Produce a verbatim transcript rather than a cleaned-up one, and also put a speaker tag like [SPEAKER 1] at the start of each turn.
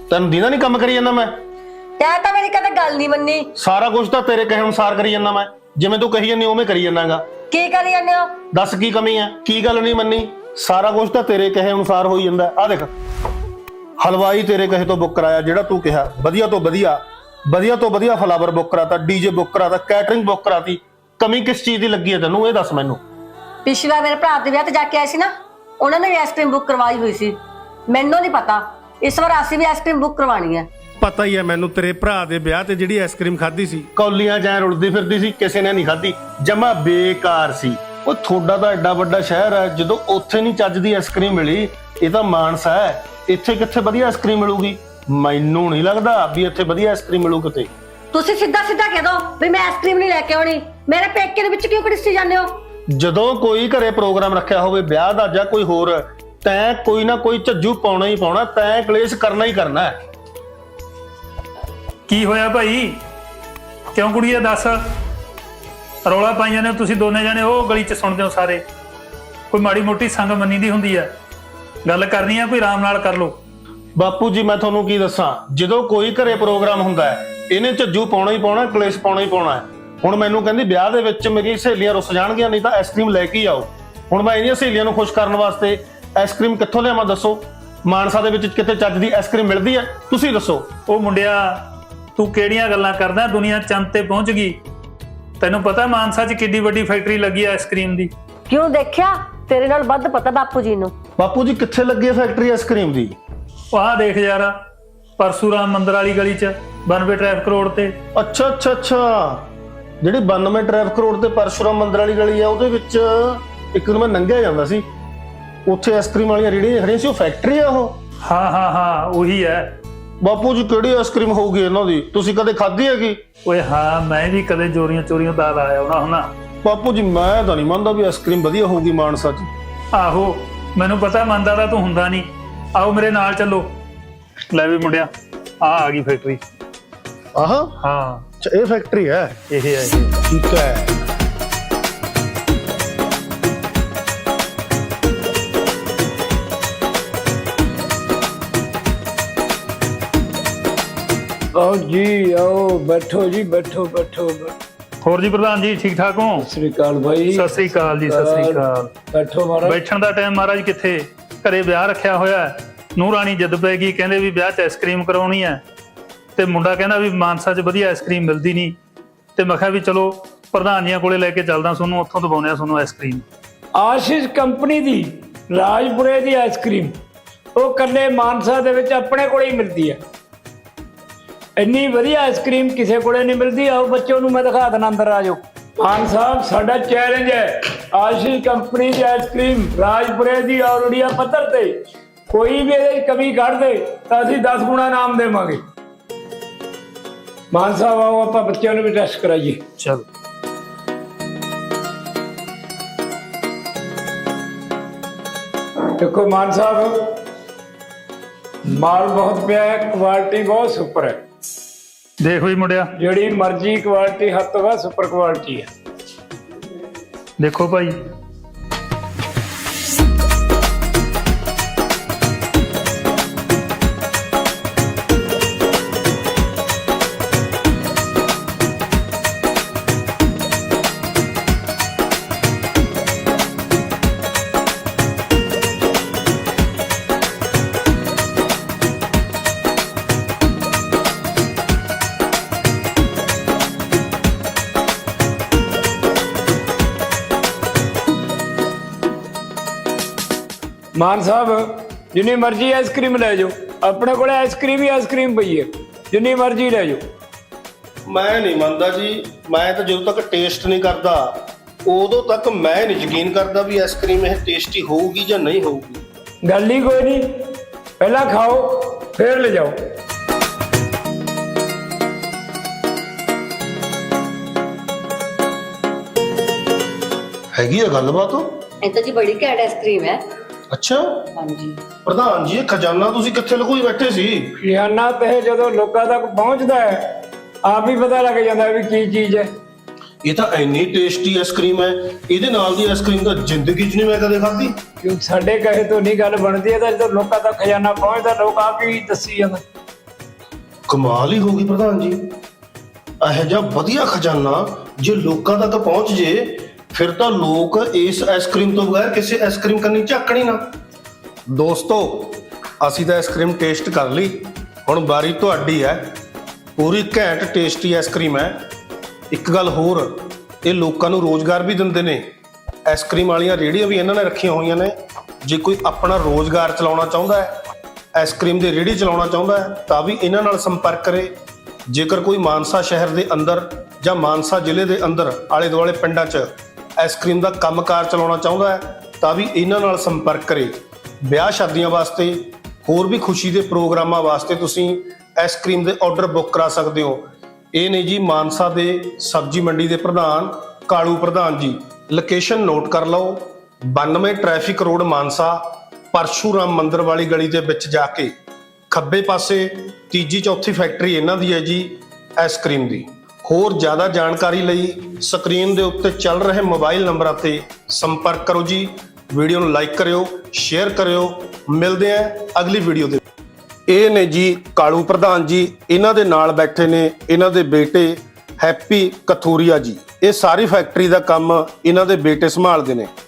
[SPEAKER 1] ਤੈਨੂੰ ਦੀਨਾ ਨਹੀਂ ਕੰਮ ਕਰੀ ਜਾਂਦਾ ਮੈਂ?
[SPEAKER 2] ਤੈਂ ਤਾਂ ਮੇਰੀ ਕਦੇ ਗੱਲ ਨਹੀਂ ਮੰਨੀ।
[SPEAKER 1] ਸਾਰਾ ਕੁਝ ਤਾਂ ਤੇਰੇ ਕਹੇ ਅਨੁਸਾਰ ਕਰੀ ਜਾਂਦਾ ਮੈਂ, ਜਿਵੇਂ ਤੂੰ ਕਹੀ ਜਾਂਦੀ ਉਵੇਂ ਕਰੀ ਜਾਂਦਾਗਾ।
[SPEAKER 2] ਕੀ ਕਰੀ ਜਾਂਦੇ ਹੋ?
[SPEAKER 1] ਦੱਸ ਕੀ ਕਮੀ ਹੈ, ਕੀ ਗੱਲ ਨਹੀਂ ਮੰਨੀ? ਸਾਰਾ ਕੁਝ ਤਾਂ ਤੇਰੇ ਕਹੇ ਅਨੁਸਾਰ ਹੋਈ ਜਾਂਦਾ। ਆ ਦੇਖ, ਹਲਵਾਈ ਤੇਰੇ ਕਹੇ ਤੋਂ ਬੁੱਕ ਕਰਾਇਆ, ਜਿਹੜਾ ਤੂੰ ਕਿਹਾ, ਵਧੀਆ ਤੋਂ ਵਧੀਆ ਵਧੀਆ ਤੋਂ ਵਧੀਆ ਫਲਾਵਰ ਬੁੱਕ ਕਰਾਤਾ, ਡੀਜੇ ਬੁੱਕ ਕਰਾਤਾ, ਕੈਟਰਿੰਗ ਬੁੱਕ ਕਰਾਤੀ। ਕਮੀ ਕਿਸ ਚੀਜ਼ ਦੀ ਲੱਗੀ ਹੈ ਤੈਨੂੰ, ਇਹ ਦੱਸ ਮੈਨੂੰ।
[SPEAKER 2] ਪਿਛਲਾ ਮੇਰੇ ਭਰਾ ਦੇ ਵਿਆਹ ਤੇ ਜਾ ਕੇ ਆਏ ਸੀ ਨਾ, ਉਹਨਾਂ ਨੇ ਵੀ ਆਈਸਕ੍ਰੀਮ ਬੁੱਕ ਕਰਵਾਈ ਹੋਈ ਸੀ। ਮੈਨੂੰ ਨਹੀਂ ਪਤਾ, ਇਸ ਵਾਰ ਅਸੀਂ ਵੀ ਆਈਸਕ੍ਰੀਮ ਬੁੱਕ ਕਰਵਾਣੀ ਹੈ।
[SPEAKER 1] ਪਤਾ ਹੀ ਹੈ ਮੈਨੂੰ, ਤੇਰੇ ਭਰਾ ਦੇ ਵਿਆਹ ਤੇ ਜਿਹੜੀ ਆਈਸਕ੍ਰੀਮ ਖਾਧੀ ਸੀ, ਕੌਲੀਆਂ ਜਾਂ ਰੁਲਦੀ ਫਿਰਦੀ ਸੀ, ਕਿਸੇ ਨੇ ਨਹੀਂ ਖਾਧੀ, ਜਮਾ ਬੇਕਾਰ ਸੀ। ਉਹ ਤੁਹਾਡਾ ਤਾਂ ਐਡਾ ਵੱਡਾ ਸ਼ਹਿਰ ਹੈ, ਜਦੋਂ ਉੱਥੇ ਨਹੀਂ ਚੱਜ ਦੀ ਆਈਸਕ੍ਰੀਮ ਮਿਲੀ, ਇਹ ਤਾਂ ਮਾਨਸਾ ਹੈ, ਇੱਥੇ ਕਿੱਥੇ ਵਧੀਆ ਆਈਸਕ੍ਰੀਮ ਮਿਲੂਗੀ? ਮੈਨੂੰ ਨਹੀਂ ਲੱਗਦਾ ਵੀ ਇੱਥੇ ਵਧੀਆ ਆਈਸਕ੍ਰੀਮ ਮਿਲੂ ਕਿਤੇ।
[SPEAKER 2] ਤੁਸੀਂ ਸਿੱਧਾ ਸਿੱਧਾ ਕਹਿ ਦੋ ਵੀ ਮੈਂ ਆਈਸਕ੍ਰੀਮ ਨਹੀਂ ਲੈ ਕੇ ਆਉਣੀ। ਮੇਰੇ ਪੇਕੇ ਦੇ ਵਿੱਚ ਕਿਉਂ ਘੜੀਸੀ ਜਾਂਦੇ ਹੋ?
[SPEAKER 1] ਜਦੋਂ ਕੋਈ ਘਰੇ ਪ੍ਰੋਗਰਾਮ ਰੱਖਿਆ ਹੋਵੇ, ਵਿਆਹ ਦਾ ਜਾਂ ਕੋਈ ਹੋਰ, ਤੈਂ ਕੋਈ ਨਾ ਕੋਈ ਝੱਜੂ ਪਾਉਣਾ ਹੀ ਪਾਉਣਾ, ਤੈਂ ਕਲੇਸ਼ ਕਰਨਾ ਹੀ ਕਰਨਾ ਹੈ।
[SPEAKER 3] ਕੀ ਹੋਇਆ ਭਾਈ, ਕਿਉਂ ਕੁੜੀਏ ਦੱਸ? ਰੌਲਾ ਪਾਈ ਜਾਂਦੇ ਹੋ ਤੁਸੀਂ ਦੋਨੇ ਜਾਣੇ, ਉਹ ਗਲੀ 'ਚ ਸੁਣਦੇ ਹੋ ਸਾਰੇ। ਕੋਈ ਮਾੜੀ ਮੋਟੀ ਸੰਗ ਮੰਨੀ ਦੀ ਹੁੰਦੀ ਆ, ਗੱਲ ਕਰਨੀ ਆ ਕੋਈ ਆਰਾਮ ਨਾਲ ਕਰ ਲਓ।
[SPEAKER 1] ਬਾਪੂ ਜੀ ਮੈਂ ਤੁਹਾਨੂੰ ਕੀ ਦੱਸਾਂ, ਜਦੋਂ ਕੋਈ ਘਰੇ ਪ੍ਰੋਗਰਾਮ ਹੁੰਦਾ ਹੈ, ਇਹਨੇ ਝੱਜੂ ਪਾਉਣਾ ਹੀ ਪਾਉਣਾ, ਕਲੇਸ਼ ਪਾਉਣਾ ਹੀ ਪਾਉਣਾ ਹੈ। ਹੁਣ ਮੈਨੂੰ ਕਹਿੰਦੀ ਵਿਆਹ ਦੇ ਵਿੱਚ ਮੇਰੀ ਸਹੇਲੀਆਂ ਰੁੱਸ ਜਾਣਗੀਆਂ, ਨਹੀਂ ਤਾਂ ਆਈਸਕ੍ਰੀਮ ਲੈ ਕੇ ਆਓ। ਹੁਣ ਮੈਂ ਇਹਦੀਆਂ ਸਹੇਲੀਆਂ ਨੂੰ ਖੁਸ਼ ਕਰਨ ਵਾਸਤੇ ਆਈਸਕ੍ਰੀਮ ਕਿੱਥੋਂ ਲਿਆਵਾਂ ਦੱਸੋ? ਮਾਨਸਾ ਦੇ ਵਿੱਚ ਕਿਤੇ ਚੱਜ ਦੀ ਆਈਸਕ੍ਰੀਮ ਮਿਲਦੀ ਹੈ? ਤੁਸੀਂ ਦੱਸੋ।
[SPEAKER 3] ਉਹ ਮੁੰਡਿਆ, ਤੂੰ ਕਿਹੜੀਆਂ ਗੱਲਾਂ ਕਰਦਾ? ਦੁਨੀਆ ਚੰਦ ਤੇ ਪਹੁੰਚ ਗਈ। ਤੈਨੂੰ ਪਤਾ ਮਾਨਸਾ 'ਚ ਕਿੱਡੀ ਵੱਡੀ ਫੈਕਟਰੀ ਲੱਗੀ ਹੈ ਆਈਸਕ੍ਰੀਮ ਦੀ?
[SPEAKER 2] ਕਿਉਂ ਦੇਖਿਆ? ਤੇਰੇ ਨਾਲ ਵੱਧ ਪਤਾ ਬਾਪੂ ਜੀ ਨੂੰ।
[SPEAKER 1] ਬਾਪੂ ਜੀ ਕਿੱਥੇ ਲੱਗੀ ਹੈ ਫੈਕਟਰੀ ਆਈਸਕ੍ਰੀਮ ਦੀ?
[SPEAKER 3] ਉਹ ਆਹ ਦੇਖ ਯਾਰ, ਪਰਸੂਰਾਮ ਮੰਦਰ ਵਾਲੀ ਗਲੀ 'ਚ ਬਾਨਵੇਂ ਟ੍ਰੈਫਿਕ ਰੋਡ ਤੇ।
[SPEAKER 1] ਅੱਛਾ ਅੱਛਾ ਅੱਛਾ, ਜਿਹੜੀ ਬਾਨਵੇਂ ਟ੍ਰੈਫਿਕ ਰੋਡ ਤੇ ਪਰਸ਼ੁਰਾਮ ਮੰਦਰ ਵਾਲੀ ਗਲੀ ਆ, ਉਹਦੇ ਵਿੱਚ ਇੱਕ ਦਿਨ ਮੈਂ ਲੰਘਿਆ ਜਾਂਦਾ ਸੀ, ਉੱਥੇ ਆਈਸਕ੍ਰੀਮ ਵਾਲੀਆਂ ਰੇਹੜੀਆਂ ਖੜੀਆਂ ਸੀ। ਉਹ ਫੈਕਟਰੀ ਆ ਉਹ?
[SPEAKER 3] ਹਾਂ ਹਾਂ ਹਾਂ ਉਹੀ ਹੈ।
[SPEAKER 1] ਬਾਪੂ ਜੀ ਕਿਹੜੀ ਆਈਸਕ੍ਰੀਮ ਹੋਊਗੀ ਇਹਨਾਂ ਦੀ? ਤੁਸੀਂ ਕਦੇ ਖਾਧੀ ਹੈਗੀ?
[SPEAKER 3] ਓਏ ਹਾਂ, ਮੈਂ ਵੀ ਕਦੇ ਚੋਰੀਆਂ ਚੋਰੀਆਂ ਦਾ ਆਇਆ ਹੋਣਾ ਹੁਣਾ।
[SPEAKER 1] ਬਾਪੂ ਜੀ ਮੈਂ ਤਾਂ ਨਹੀਂ ਮੰਨਦਾ ਵੀ ਆਈਸਕ੍ਰੀਮ ਵਧੀਆ ਹੋਊਗੀ ਮਾਨਸਾ 'ਚ।
[SPEAKER 3] ਆਹੋ ਮੈਨੂੰ ਪਤਾ, ਮੰਨਦਾ ਤਾਂ ਤੂੰ ਹੁੰਦਾ ਨਹੀਂ। ਆਓ ਮੇਰੇ ਨਾਲ ਚੱਲੋ। ਲੈ ਵੀ ਮੁੰਡਿਆ, ਆ ਆ ਗਈ ਫੈਕਟਰੀ।
[SPEAKER 1] ਆਹ
[SPEAKER 3] ਹਾਂ,
[SPEAKER 1] ਅੱਛਾ, ਇਹ ਫੈਕਟਰੀ ਹੈ?
[SPEAKER 3] ਇਹ ਹੈ ਇਹ।
[SPEAKER 1] ਠੀਕ ਹੈ।
[SPEAKER 4] आओ जी आओ, बैठो जी, बैठो बैठो।
[SPEAKER 3] ਹੋਰ ਜੀ ਪ੍ਰਧਾਨ ਜੀ, ਠੀਕ ਠਾਕ ਹੋ?
[SPEAKER 4] सत श्री अकाल भाई।
[SPEAKER 3] ਸਤਿ ਸ੍ਰੀ ਅਕਾਲ ਜੀ, ਸਤਿ ਸ੍ਰੀ ਅਕਾਲ।
[SPEAKER 4] बैठो महाराज।
[SPEAKER 3] ਬੈਠਣ ਦਾ ਟਾਈਮ ਮਹਾਰਾਜ ਕਿੱਥੇ, ਘਰੇ ਵਿਆਹ ਰੱਖਿਆ ਹੋਇਆ। ਨੂੰਹ ਰਾਣੀ ਜਿੱਦ ਪੈ ਗਈ, ਕਹਿੰਦੇ ਵੀ ਵਿਆਹ 'ਚ ਆਈਸਕ੍ਰੀਮ ਕਰਾਉਣੀ ਹੈ, ਤੇ ਮੁੰਡਾ ਕਹਿੰਦਾ ਵੀ ਮਾਨਸਾ 'ਚ ਵਧੀਆ ਆਈਸਕ੍ਰੀਮ ਮਿਲਦੀ ਨਹੀਂ। ਤੇ ਮੈਂ ਕਿਹਾ ਵੀ ਚਲੋ ਪ੍ਰਧਾਨ ਜੀਆਂ ਕੋਲੇ ਲੈ ਕੇ ਚੱਲਦਾ, ਤੁਹਾਨੂੰ ਉੱਥੋਂ ਦਵਾਉਂਦੇ ਆ ਤੁਹਾਨੂੰ ਆਈਸਕ੍ਰੀਮ।
[SPEAKER 4] आशीष कंपनी दी राजपुरे दी आइसक्रीम वो कल्ले मानसा दे विच अपने कोले ही मिलती है। इन्नी वधिया आइसक्रीम किसी कोले नहीं मिलती। आओ बच्चों नूं मैं दिखा देना, अंदर आ जाओ। मान साहब साडा चैलेंज है, आशीष कंपनी दी आइसक्रीम राजपुरे दी और उड़िया पत्थर ते कोई भी इहदे कमी कढ दे तां असीं दस गुणा नाम देवांगे। मान साहब आओ आपां बच्चों नूं भी टेस्ट कराइए।
[SPEAKER 3] चलो
[SPEAKER 4] देखो मान साहब, माल बहुत पिया है, क्वालिटी बहुत सुपर है।
[SPEAKER 3] देख भी मुंडिया,
[SPEAKER 4] ਜਿਹੜੀ ਮਰਜ਼ੀ ਕੁਆਲਿਟੀ ਹੱਦ ਤੋਂ ਵੱਧ ਸੁਪਰ ਕੁਆਲਿਟੀ ਹੈ।
[SPEAKER 3] देखो भाई,
[SPEAKER 4] ਮਾਨ ਸਾਹਿਬ ਜਿੰਨੀ ਮਰਜ਼ੀ ਆਈਸਕ੍ਰੀਮ ਲੈ ਜਾਓ, ਆਪਣੇ ਕੋਲੇ ਆਈਸਕ੍ਰੀਮ ਹੀ ਆਈਸਕ੍ਰੀਮ ਪਈ ਹੈ, ਜਿੰਨੀ ਮਰਜ਼ੀ ਲੈ ਜਾਓ।
[SPEAKER 1] ਮੈਂ ਨਹੀਂ ਮੰਨਦਾ ਜੀ, ਮੈਂ ਤਾਂ ਜਦੋਂ ਤੱਕ ਟੇਸਟ ਨਹੀਂ ਕਰਦਾ ਉਦੋਂ ਤੱਕ ਮੈਂ ਨਹੀਂ ਯਕੀਨ ਕਰਦਾ ਵੀ ਆਈਸਕ੍ਰੀਮ ਇਹ ਟੇਸਟੀ ਹੋਊਗੀ ਜਾਂ ਨਹੀਂ ਹੋਊਗੀ।
[SPEAKER 4] ਗੱਲ ਹੀ ਕੋਈ ਨਹੀਂ, ਪਹਿਲਾਂ ਖਾਓ ਫਿਰ ਲੈ ਜਾਓ।
[SPEAKER 1] ਹੈਗੀ ਆ ਗੱਲਬਾਤ?
[SPEAKER 2] ਇਹ ਤਾਂ ਜੀ ਬੜੀ ਘੈਂਟ ਆਈਸਕ੍ਰੀਮ ਹੈ।
[SPEAKER 1] ਅੱਛਾ
[SPEAKER 2] ਹਾਂਜੀ
[SPEAKER 1] ਪ੍ਰਧਾਨ ਜੀ, ਇਹ ਖਜ਼ਾਨਾ ਤੁਸੀਂ ਕਿੱਥੇ ਲੁਕੋਈ ਬੈਠੇ ਸੀ?
[SPEAKER 4] ਖਜ਼ਾਨਾ ਤੇ ਜਦੋਂ ਲੋਕਾਂ ਤੱਕ ਪਹੁੰਚਦਾ ਹੈ ਆਪ ਹੀ ਪਤਾ ਲੱਗ ਜਾਂਦਾ ਵੀ ਕੀ ਚੀਜ਼ ਹੈ।
[SPEAKER 1] ਇਹ ਤਾਂ ਇੰਨੀ ਟੇਸਟੀ ਆਈਸਕ੍ਰੀਮ ਹੈ, ਇਹਦੇ ਨਾਲ ਦੀ ਆਈਸਕ੍ਰੀਮ ਤਾਂ ਜ਼ਿੰਦਗੀ 'ਚ ਨਹੀਂ ਮੈਂ ਕਦੇ ਖਾਧੀ।
[SPEAKER 4] ਕਿਉਂ ਸਾਡੇ ਕਹੇ ਤੋਂ ਨਹੀਂ ਗੱਲ ਬਣਦੀ ਹੈ, ਤਾਂ ਜਦੋਂ ਲੋਕਾਂ ਤੱਕ ਖਜ਼ਾਨਾ ਪਹੁੰਚਦਾ ਲੋਕ ਆਪ ਹੀ ਦੱਸੀ ਜਾਂਦਾ।
[SPEAKER 1] ਕਮਾਲ ਹੀ ਹੋ ਗਈ ਪ੍ਰਧਾਨ ਜੀ। ਇਹੋ ਜਿਹਾ ਵਧੀਆ ਖਜ਼ਾਨਾ ਜੇ ਲੋਕਾਂ ਤੱਕ ਪਹੁੰਚ ਜੇ ਫਿਰ ਤਾਂ ਲੋਕ ਇਸ ਆਈਸਕ੍ਰੀਮ ਤੋਂ ਬਗੈਰ ਕਿਸੇ ਆਈਸਕ੍ਰੀਮ ਕੰਨੀ ਝਾਕਣੀ ਨਾ। ਦੋਸਤੋ, ਅਸੀਂ ਤਾਂ ਆਈਸਕ੍ਰੀਮ ਟੇਸਟ ਕਰ ਲਈ, ਹੁਣ ਵਾਰੀ ਤੁਹਾਡੀ ਹੈ। ਪੂਰੀ ਘੈਂਟ ਟੇਸਟੀ ਆਈਸਕ੍ਰੀਮ ਹੈ। ਇੱਕ ਗੱਲ ਹੋਰ, ਇਹ ਲੋਕਾਂ ਨੂੰ ਰੋਜ਼ਗਾਰ ਵੀ ਦਿੰਦੇ ਨੇ। ਆਈਸਕ੍ਰੀਮ ਵਾਲੀਆਂ ਰੇਹੜੀਆਂ ਵੀ ਇਹਨਾਂ ਨੇ ਰੱਖੀਆਂ ਹੋਈਆਂ ਨੇ। ਜੇ ਕੋਈ ਆਪਣਾ ਰੋਜ਼ਗਾਰ ਚਲਾਉਣਾ ਚਾਹੁੰਦਾ ਹੈ, ਆਈਸਕ੍ਰੀਮ ਦੀ ਰੇਹੜੀ ਚਲਾਉਣਾ ਚਾਹੁੰਦਾ ਹੈ, ਤਾਂ ਵੀ ਇਹਨਾਂ ਨਾਲ ਸੰਪਰਕ ਕਰੇ। ਜੇਕਰ ਕੋਈ ਮਾਨਸਾ ਸ਼ਹਿਰ ਦੇ ਅੰਦਰ ਜਾਂ ਮਾਨਸਾ ਜ਼ਿਲ੍ਹੇ ਦੇ ਅੰਦਰ ਆਲੇ ਦੁਆਲੇ ਪਿੰਡਾਂ 'ਚ ਆਈਸਕ੍ਰੀਮ ਦਾ ਕੰਮਕਾਰ ਚਲਾਉਣਾ ਚਾਹੁੰਦਾ ਹੈ, ਤਾਂ ਵੀ ਇਹਨਾਂ ਨਾਲ ਸੰਪਰਕ ਕਰੇ। ਵਿਆਹ ਸ਼ਾਦੀਆਂ ਵਾਸਤੇ, ਹੋਰ ਵੀ ਖੁਸ਼ੀ ਦੇ ਪ੍ਰੋਗਰਾਮਾਂ ਵਾਸਤੇ ਤੁਸੀਂ ਆਈਸਕ੍ਰੀਮ ਦੇ ਆਰਡਰ ਬੁੱਕ ਕਰਾ ਸਕਦੇ ਹੋ। ਇਹ ਨੇ ਜੀ ਮਾਨਸਾ ਦੇ ਸਬਜ਼ੀ ਮੰਡੀ ਦੇ ਪ੍ਰਧਾਨ ਕਾਲੂ ਪ੍ਰਧਾਨ ਜੀ। ਲੋਕੇਸ਼ਨ ਨੋਟ ਕਰ ਲਓ, ਬਾਨਵੇਂ ਟ੍ਰੈਫਿਕ ਰੋਡ ਮਾਨਸਾ, ਪਰਸ਼ੂਰਾਮ ਮੰਦਿਰ ਵਾਲੀ ਗਲੀ ਦੇ ਵਿੱਚ ਜਾ ਕੇ ਖੱਬੇ ਪਾਸੇ ਤੀਜੀ ਚੌਥੀ ਫੈਕਟਰੀ ਇਹਨਾਂ ਦੀ ਹੈ ਜੀ ਆਈਸਕ੍ਰੀਮ ਦੀ। ਹੋਰ ਜ਼ਿਆਦਾ ਜਾਣਕਾਰੀ ਲਈ ਸਕਰੀਨ ਦੇ ਉੱਤੇ ਚੱਲ ਰਹੇ ਮੋਬਾਈਲ ਨੰਬਰਾਂ ਤੇ ਸੰਪਰਕ ਕਰੋ ਜੀ। ਵੀਡੀਓ ਨੂੰ ਲਾਈਕ ਕਰਿਓ, ਸ਼ੇਅਰ ਕਰਿਓ। ਮਿਲਦੇ ਆਂ ਅਗਲੀ ਵੀਡੀਓ ਦੇ। ਇਹ ਨੇ ਜੀ ਕਾਲੂ ਪ੍ਰਧਾਨ ਜੀ, ਇਹਨਾਂ ਦੇ ਨਾਲ ਬੈਠੇ ਨੇ ਇਹਨਾਂ ਦੇ ਬੇਟੇ ਹੈਪੀ ਕਥੂਰੀਆ ਜੀ। ਇਹ ਸਾਰੀ ਫੈਕਟਰੀ ਦਾ ਕੰਮ ਇਹਨਾਂ ਦੇ ਬੇਟੇ ਸੰਭਾਲਦੇ ਨੇ।